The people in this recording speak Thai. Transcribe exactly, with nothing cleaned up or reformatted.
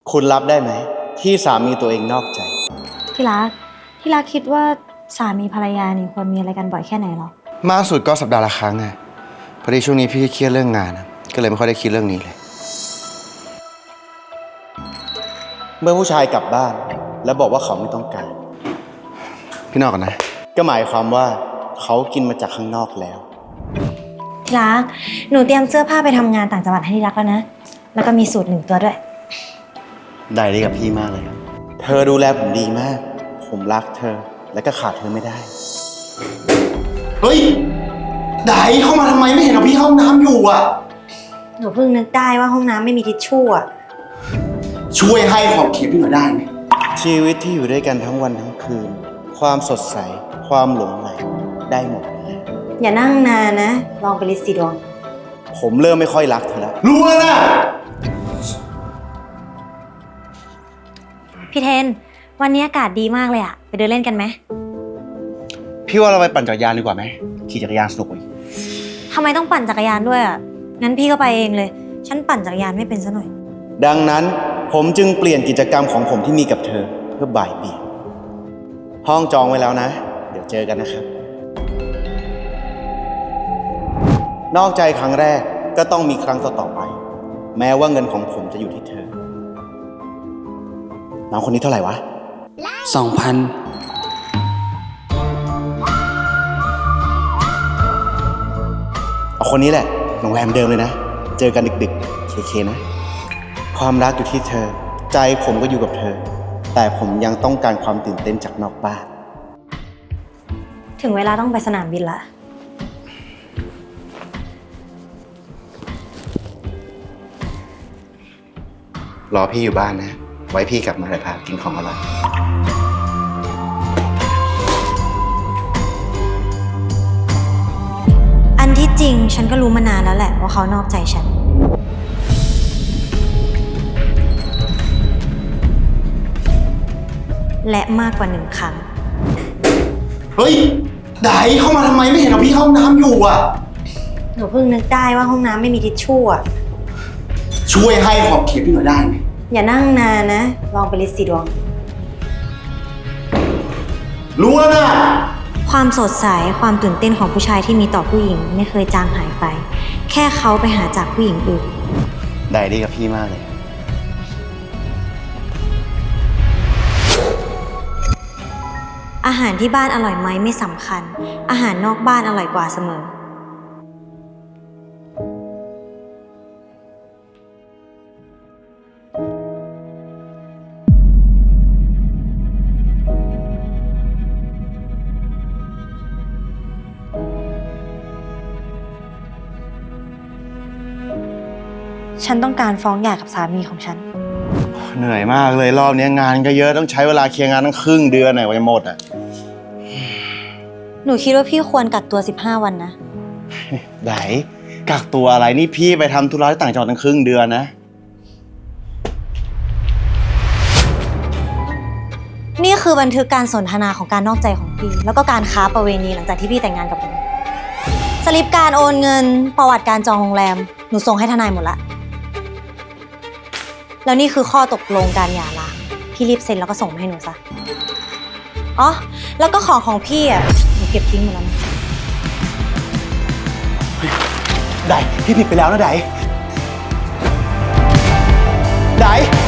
คุณรับได้ไหมที่สามีตัวเองนอกใจที่รักที่รักคิดว่าสามีภรรยานี่ควรมีอะไรกันบ่อยแค่ไหนหรอมากสุดก็สัปดาห์ละครั้งไงพอดีช่วงนี้พี่เครียดเรื่องงานก็เลยไม่ค่อยได้คิดเรื่องนี้เลยเมื่อผู้ชายกลับบ้านแล้วบอกว่าเขาไม่ต้องการพี่นอกกันนะก็หมายความว่าเขากินมาจากข้างนอกแล้วที่รักหนูเตรียมเสื้อผ้าไปทำงานต่างจังหวัดให้ที่รักแล้วนะแล้วก็มีสูตรหนึ่งตัวด้วยได้ดีกับพี่มากเลยครับเธอดูแลผมดีมากผมรักเธอและก็ขาดเธอไม่ได้เฮ้ยไดเข้ามาทำไมไม่เห็นเอาพี่เข้าห้องน้ำอยู่อ่ะหนูเพิ่งนึกได้ว่าห้องน้ำไม่มีทิชชู่อ่ะช่วยให้ขอบเขตพี่หน่อยได้ไหมชีวิตที่อยู่ด้วยกันทั้งวันทั้งคืนความสดใสความหลงใหลได้หมดเลยอย่านั่งนานนะลองไปลิสต์สีดวงผมเริ่มไม่ค่อยรักเธอแล้วรู้แล้วนะพี่เทนวันนี้อากาศดีมากเลยอะไปเดินเล่นกันไหมพี่ว่าเราไปปั่นจักรยานดีกว่าไหมขี่จักรยานสนุกกว่าทำไมต้องปั่นจักรยานด้วยอะงั้นพี่ก็ไปเองเลยฉันปั่นจักรยานไม่เป็นซะหน่อยดังนั้นผมจึงเปลี่ยนกิจกรรมของผมที่มีกับเธอเพื่อบ่ายเบี่ยงห้องจองไว้แล้วนะเดี๋ยวเจอกันนะครับนอกใจครั้งแรกก็ต้องมีครั้งต่อๆไปแม้ว่าเงินของผมจะอยู่ที่เธอน้องคนนี้เท่าไหร่วะสองพันเอาคนนี้แหละโรงแรมเดิมเลยนะเจอกันดึกๆเคๆนะความรักอยู่ที่เธอใจผมก็อยู่กับเธอแต่ผมยังต้องการความตื่นเต้นจากนอกบ้านถึงเวลาต้องไปสนามบินละรอพี่อยู่บ้านนะไว้พี่กลับมาเลยพากินของอร่อยอันที่จริงฉันก็รู้มานานแล้วแหละว่าเขานอกใจฉันและมากกว่าหนึ่งครั้งเฮ้ยไดเข้ามาทำไมไม่เห็นเอาพี่เข้าห้องน้ำอยู่อ่ะหนูเพิ่งนึกได้ว่าห้องน้ำไม่มีทิชชู่อ่ะช่วยให้ขอบเขตพี่หน่อยได้ไหมอย่านั่งนานนะลองไปลิสต์สีดวงรู้แล้วนะความสดใสความตื่นเต้นของผู้ชายที่มีต่อผู้หญิงไม่เคยจางหายไปแค่เขาไปหาจากผู้หญิงอื่นได้ดีกับพี่มากเลยอาหารที่บ้านอร่อยไหมไม่สำคัญอาหารนอกบ้านอร่อยกว่าเสมอฉันต้องการฟ้องหย่ากับสามีของฉันเหนื่อยมากเลยรอบนี้งานก็เยอะต้องใช้เวลาเคลียร์งานตั้งครึ่งเดือนไหนวะจะหมดอ่ะหนูคิดว่าพี่ควรกักตัวสิบห้าวันนะไหนกักตัวอะไรนี่พี่ไปทำธุระที่ต่างจังหวัดตั้งครึ่งเดือนนะนี่คือบันทึกการสนทนาของการนอกใจของพี่แล้วก็การค้าประเวณีหลังจากที่พี่แต่งงานกับหนูสลิปการโอนเงินประวัติการจองโรงแรมหนูส่งให้ทนายหมดละแล้วนี่คือข้อตกลงการหย่าร้างพี่รีบเซ็นแล้วก็ส่งมาให้หนูซะอ๋อแล้วก็ของของพี่อ่ะหนูเก็บทิ้งหมดแล้วนะได้พี่ผิดไปแล้วนะไดได